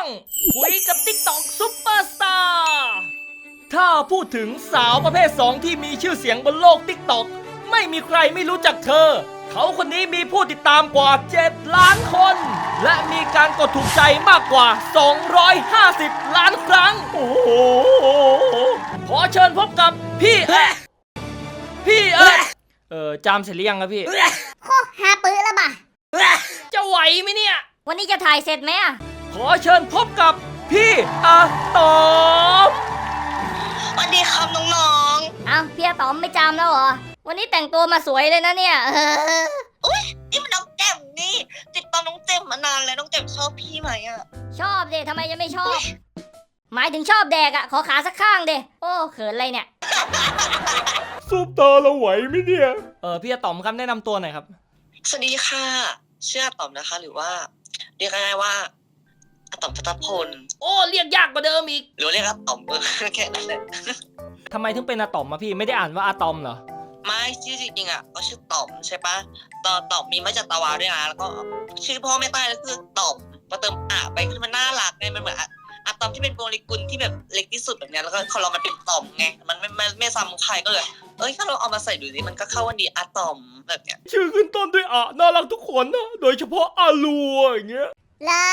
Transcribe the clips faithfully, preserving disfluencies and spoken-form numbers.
คุยกับ ติ๊กต็อก ซุปเปอร์สตาร์ถ้าพูดถึงสาวประเภทสองที่มีชื่อเสียงบนโลก ติ๊กต็อก ไม่มีใครไม่รู้จักเธอเขาคนนี้มีผู้ติดตามกว่าเจ็ดล้านคนและมีการกดถูกใจมากกว่าสองร้อยห้าสิบล้านครั้งโอ้โหขอเชิญพบกับพี่เอ๊ะพี่เอ๊ะเออจามเสร็จหรือยังครับพี่โคหาปื้อแล้วบ่ะจะไหวไหมเนี่ยวันนี้จะถ่ายเสร็จไหมอ่ะขอเชิญพบกับพี่อาตอมสวัสดีครับน้องๆอ้าวพี่อาตอมไม่จำแล้วเหรอวันนี้แต่งตัวมาสวยเลยนะเนี่ยอุ้ยนี่มันน้องแจ่มนี่ติดตามน้องแจ่มมานานแล้วน้องแจ่มชอบพี่ไหมอ่ะชอบเดทำไมจะไม่ชอบหมายถึงชอบแดกอ่ะขอขาสักข้างเดโอ้เขินอะไรเนี่ยซุปตาเราไหวไหมเนี่ยเออพี่อาตอมครับแนะนำตัวหน่อยครับสวัสดีค่ะชื่ออาตอมนะคะหรือว่าเรียกง่ายๆว่าอาตอมพัตพลโอ้เรียกยากกว่าเดิมอีกหรือเรียกอาตอมเออแค่นั้นแหละทำไมถึงเป็นอาตอมมาพี่ไม่ได้อ่านว่าอาตอมเหรอไม่ชื่อจริงๆอ่ะก็ชื่อตอมใช่ปะตอตอมมีมาจากตะวาด้วยนะแล้วก็ชื่อพ่อแม่ใต้แล้วคือตอมมาเติมอ่ะไปคือมันน่ารักไงมันเหมือนอะตอมที่เป็นโมเลกุลที่แบบเล็กที่สุดแบบนี้แล้วก็เขาเรามันเป็นตอมไงมันไม่ไม่ไม่ซ้ำใครก็เลยเอ้ยถ้าเราเอามาใส่ดูสิมันก็เข้าวันดีอะตอมแบบเนี้ยชื่อขึ้นต้นด้วยอะน่ารักทุกคนนะโดยเฉพาะอาลัวอย่างเงี้ยเหรอ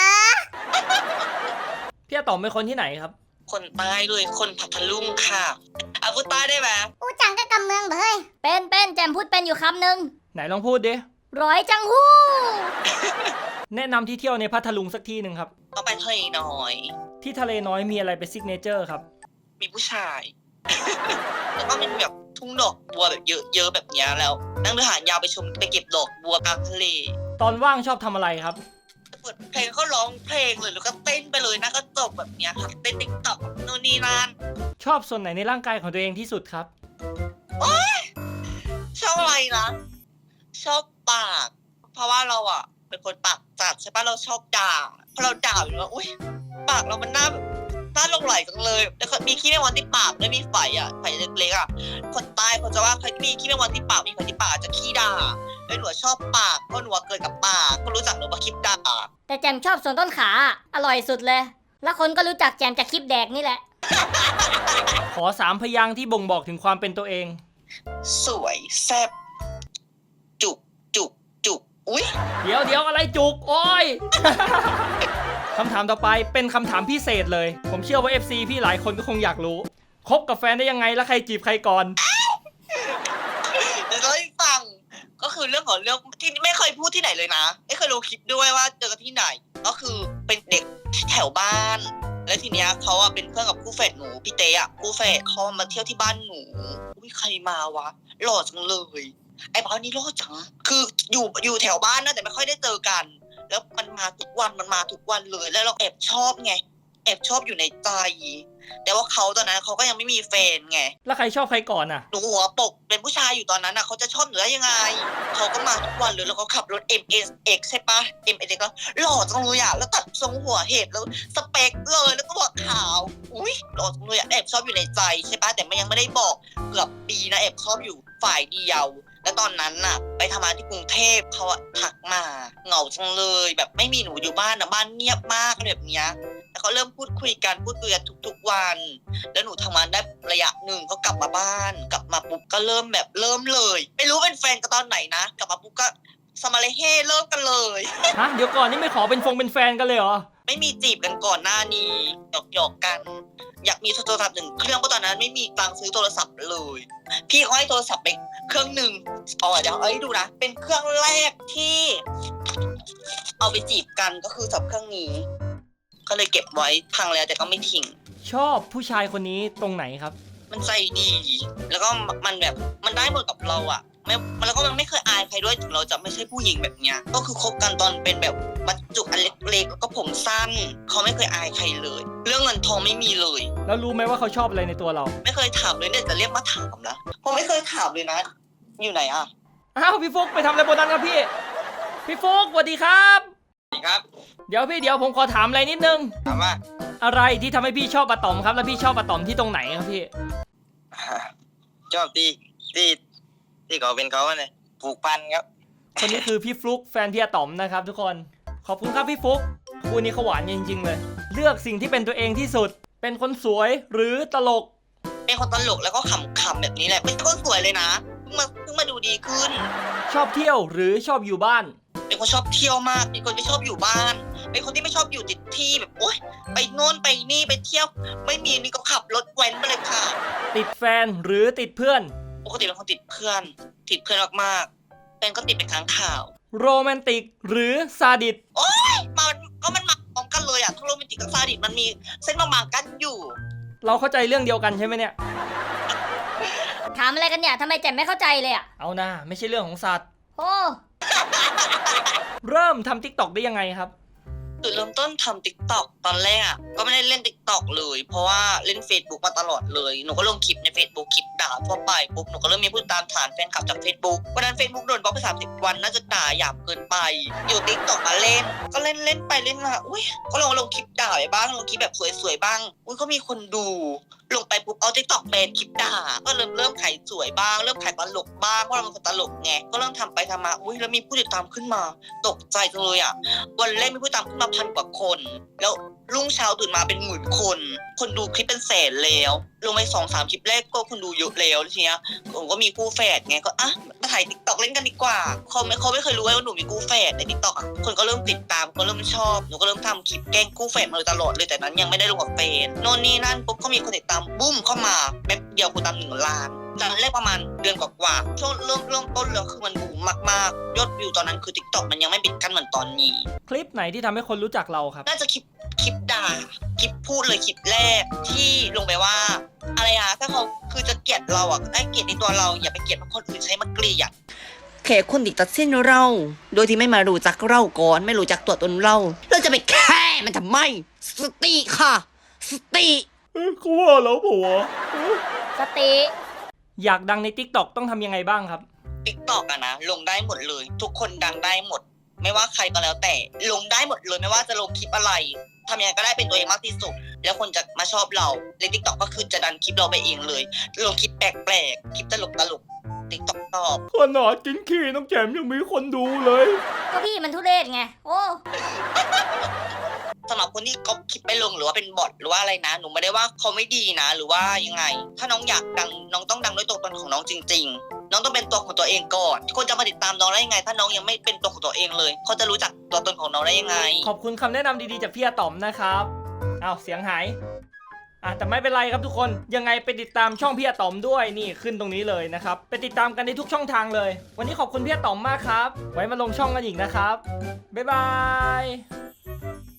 พี่อาตอมเป็นคนที่ไหนครับคนใต้เลยคนพัทลุงค่ะอาพูดใต้ได้ไหมอูจังก็กำเมืองเฮ้ยเป็นเป็นแจมพูดเป็นอยู่คำหนึ่งไหนลองพูดดิร้อยจังฮู้แนะนำที่เที่ยวในพัทลุงสักที่หนึ่งครับก็ไปทะเลน้อยที่ทะเลน้อยมีอะไรเป็นซิกเนเจอร์ครับมีผู้ชายแล้วก็มีแบบทุ่งดอกบัวแบบเยอะๆแบบนี้แล้วนั่งเรือหางยาวไปชมไปเก็บดอกบัวกลางทะเลตอนว่างชอบทำอะไรครับเปิดเพลงก็ร้องเพลงเลยแล้วก็เต้นไปเลยนะก็จบแบบนี้ค่ะเต้นติ๊กต็อกโน่นนี่นั่นชอบส่วนไหนในร่างกายของตัวเองที่สุดครับโอ๊ยชอบอะไรนะชอบปากเพราะว่าเราอ่ะเป็นคนปากจัดใช่ปะเราชอบด่าพอเราด่าอยู่ว่าอุ้ยปากเรามันน่าแบบน่าลงไหลจังเลยแล้วก็มีขี้แมงวันที่ปากด้วยมีไฝอ่ะไฝเล็กๆอ่ะคนใต้เขาจะว่าใครที่มีขี้แมงวันที่ปากมีไฝที่ปากจะขี้ด่าแล้วหนูชอบปากเพราะหนูเกิดกับปากก็รู้จักหนูมาคลิปด่าแต่แจมชอบส่วนต้นขาอร่อยสุดเลยแล้วคนก็รู้จักแจมจากคลิปแดกนี่แหละขอสามพยางค์ที่บ่งบอกถึงความเป็นตัวเองสวยแซ่บจุกจุกจุกอุ้ยเดี๋ยวเดี๋ยวอะไรจุกโอ้ย คำถามต่อไปเป็นคำถามพิเศษเลยผมเชื่อว่า เอฟ ซี พี่หลายคนก็คงอยากรู้คบกับแฟนได้ยังไงแล้วใครจีบใครก่อนเดี๋ยวเราให้ฟังก็คือเรื่องของเรื่องที่ไม่เคยพูดที่ไหนเลยนะไม่เคยรู้คลิปด้วยว่าเจอกันที่ไหนก็คือเป็นเด็กแถวบ้านแล้วทีเนี้ยเขาอะเป็นเพื่อนกับคู่แฝดหนูพี่เต้อะคู่แฝดเขามาเที่ยวที่บ้านหนูอุ้ยใครมาวะหล่อจังเลยไอ้บ้านนี้หล่อจังคืออยู่อยู่แถวบ้านนะแต่ไม่ค่อยได้เจอกันแล้วมันมาทุกวันมันมาทุกวันเลยแล้วเราแอบชอบไงแอบชอบอยู่ในใจแต่ว่าเขาตอนนั้นเขาก็ยังไม่มีแฟนไงแล้วใครชอบใครก่อนอ่ะหนูหัวปกเป็นผู้ชายอยู่ตอนนั้นอ่ะเขาจะชอบหนูได้ยังไงเขาก็มาทุกวันเลยแล้วเขาขับรถ เอ็ม เอส เอ็กซ์ ใช่ปะ เอ็ม เอส เอ็กซ์ ก็หล่อจังเลยอ่ะแล้วตัดทรงหัวเห็บแล้วสเปคเลยแล้วก็หัวขาวอุ้ยหล่อจังเลยอ่ะแอบชอบอยู่ในใจใช่ปะแต่มันยังไม่ได้บอกเกือบปีนะแอบชอบอยู่ฝ่ายเดียวแล้วตอนนั้นน่ะไปทำงานที่กรุงเทพเขาอะทักมาเหงาจังเลยแบบไม่มีหนูอยู่บ้านนะบ้านเงียบมากแบบเนี้ยแล้วเขาเริ่มพูดคุยกันพูดคุยกันทุกๆวันแล้วหนูทำงานได้ระยะหนึ่งเขากลับมาบ้านกลับมาปุ๊บก็เริ่มแบบเริ่มเลยไม่รู้เป็นแฟนกันตอนไหนนะกลับมาปุ๊บก็สมาเลเฮเริ่มกันเลยฮะเดี๋ยวก่อนนี่ไม่ขอเป็นฟงเป็นแฟนกันเลยเหรอไม่มีจีบกันก่อนหน้านี้หยอกหยอกกันอยากมีโทรศัพท์หนึ่งเครื่องเพราะตอนนั้นไม่มีตังค์ซื้อโทรศัพท์เลยพี่เขาให้โทรศัพท์ไปเครื่องหนึ่งอ๋อเดี๋ยวเอ้ยดูนะเป็นเครื่องแรกที่เอาไปจีบกันก็คือสับเครื่องนี้ก็เลยเก็บไว้พังแล้วแต่ก็ไม่ทิ้งชอบผู้ชายคนนี้ตรงไหนครับมันใจดีแล้วก็มันแบบมันได้หมดกับเราอะไม่แล้วก็มันไม่เคยอายใครด้วยถึงเราจะไม่ใช่ผู้หญิงแบบเนี้ยก็คือคบกันตอนเป็นแบบบรรจุอันเล็กๆแล้วก็ผมสั้นเขาไม่เคยอายใครเลยเรื่องเงินทองไม่มีเลยแล้วรู้ไหมว่าเขาชอบอะไรในตัวเราไม่เคยถามเลยเนี่ยจะเรียกมาถามนะผมไม่เคยถามเลยนะอยู่ไหนอะอ้าวพี่ฟุกไปทำอะไรบนนั้นครับพี่พี่ฟุกสวัสดีครับสวัสดีครับเดี๋ยวพี่เดี๋ยวผมขอถามอะไรนิดนึงถามว่าอะไรที่ทำให้พี่ชอบอะตอมครับแล้วพี่ชอบอะตอมที่ตรงไหนครับพี่ชอบที่ที่ที่เขาเป็นเขาเนี่ยผูกพันครับคนนี้คือพี่ฟลุกแฟนพี่อะตอมนะครับทุกคนขอบคุณครับพี่ฟุกคู่นี้เขาหวานจริงๆเลย เลือกสิ่งที่เป็นตัวเองที่สุด เป็นคนสวยหรือตลกเป็นคนตลกแล้วก็ขำๆแบบนี้แหละไม่ใช่คนสวยเลยนะเพิ่งมาเพิ่งมาดูดีขึ้นชอบเที่ยวหรือชอบอยู่บ้านเป็นคนชอบเที่ยวมากเป็นคนไม่ชอบอยู่บ้าน เป็นคนที่ไม่ชอบอยู่ติดที่แบบโอ๊ยไปโน่นไปนี่ไปเที่ยว ไม่มีนี่ก็ขับรถแว้นไปเลยค่ะติดแฟนหรือติดเพื่อนปกติเป็นคนติดเพื่อน ติดเพื่อนมากๆแฟนก็ติดเป็นครั้งข่าวโรแมนติกหรือซาดิสมันก็มันมาพร้อมกันเลยอ่ะทั้งโรแมนติกกับซาดิสมันมีเส้นบางๆกั้นอยู่เราเข้าใจเรื่องเดียวกันใช่ไหมเนี่ยถามอะไรกันเนี่ยทำไมแจ่มไม่เข้าใจเลยอ่ะเอานะไม่ใช่เรื่องของสัตว์โอ้เริ่มทำ TikTok ได้ยังไงครับจุดเริ่มต้นทำ ติ๊กต็อก ตอนแรกอ่ะก็ไม่ได้เล่น ติ๊กต็อก เลย เพราะว่าเล่น Facebook มาตลอดเลยหนูก็ลงคลิปใน Facebook คลิปด่าทั่วไปปุ๊บหนูก็เริ่มมีผู้ตามฐานแฟนคลับจาก Facebook วันนั้น Facebook โดนบล็อกไปสามสิบวันน่าจะด่าหยาบเกินไป อยู่ ติ๊กต็อก มาเล่น ก็เล่นเล่นไปเล่นมาอุ้ยก็ลองลงคลิปด่าไปบ้างลงคลิปแบบสวยๆบ้างอุ้ยก็มีคนดู ลงไปปุ๊บเอา ติ๊กต็อก เป็นคลิปด่าก็เริ่มเริ่มขายสวยบ้างเริ่มขายตลกบ้างเพราะเราเป็นคนตลกไงก็เริ่มทำไปทำมาอุ้ยแล้วมีผู้ติดตามขึ้นมาตกใจจังเลยอ่ะวันแรกมีผู้ติดตามขึ้นมาพันกว่าคน แล้วรุ่งเช้าตื่นมาเป็นหมื่นคน คนดูคลิปเป็นแสนแล้วลงไปสองสามคลิปแรกก็คนดูเยอะแล้วทีเนี้ยผมก็มีคู่แฝดไงก็อ่ะมาถ่าย ติ๊กต็อก เล่นกันดีกว่าเขาไม่เขาไม่เคยรู้ว่าหนูมีคู่แฝดใน ติ๊กต็อก อ่ะคนก็เริ่มติดตามก็เริ่มชอบหนูก็เริ่มทำคลิปแกล้งคู่แฝดมาโดยตลอดเลยแต่นั้นยังไม่ได้ลงกับเฟนโน่นนี่นั่นปุ๊บก็มีคนติดตามบุ้มเข้ามาแป๊บเดียวคนตามหนึ่งล้านตอนแรกประมาณเดือนกว่าๆช่วงเริ่มเริ่มต้นเลยคือมันบูมมากๆยอดวิวตอนนั้นคือ ติ๊กต็อก มันยังไม่ปิดกั้นเหมือนตอนนี้คลิปไหนที่ทำให้คนรู้จักเราครับน่าจะคลิปคลิปด่าคลิปพูดเลยคลิปแรกที่ลงไปว่า อะไรอะถ้าเขาคือจะเกลียดเราอะได้เกลียดในตัวเราอย่าไปเกลียดคนอื่นใช้มาเกลียดแค่คนติดตัดสินเรา โดยที่ไม่มารู้จักเราก่อนไม่รู้จักตัวตนเราเราจะไปแค่มันทำไมสติค่ะ สติเขาว่าแล้วผัวสติอยากดังใน TikTok ต้องทำยังไงบ้างครับติ๊กต็อกอะนะลงได้หมดเลย ทุกคนดังได้หมด ไม่ว่าใครก็แล้วแต่ลงได้หมดเลยไม่ว่าจะลงคลิปอะไรทำยังไงก็ได้เป็นตัวเองมากที่สุด แล้วคนจะมาชอบเราใน ติ๊กต็อก ก็คือจะดันคลิปเราไปเองเลยลงคลิปแปลกๆคลิปตลกตลกติ๊กต็อกตอบขนาดกินขี้น้องแจมยังมีคนดูเลยก็พี่มันทุเรศไง โอ้สำหรับคนที่ก๊อปคลิปไปลงหรือว่าเป็นบอทหรือว่าอะไรนะหนูไม่ได้ว่าเขาไม่ดีนะ หรือว่ายังไง ถ้าน้องอยากดังน้องต้องดังด้วยตัวตนของน้องจริง ๆ น้องต้องเป็นตัวของตัวเองก่อนคนจะมาติดตามน้องได้ยังไง ถ้าน้องยังไม่เป็นตัวของตัวเองเลยเขาจะรู้จักตัวตนของน้องได้ยังไงขอบคุณคำแนะนำดีๆจากพี่อาต๋อมนะครับอ้าวเสียงหายอ่ะแต่ไม่เป็นไรครับทุกคนยังไงไปติดตามช่องพี่อาต๋อมด้วยนี่ขึ้นตรงนี้เลยนะครับไปติดตามกันในทุกช่องทางเลย วันนี้ขอบคุณพี่อาต๋อมมากครับ ไว้มาลงช่องกันอีกนะครับบ๊ายบาย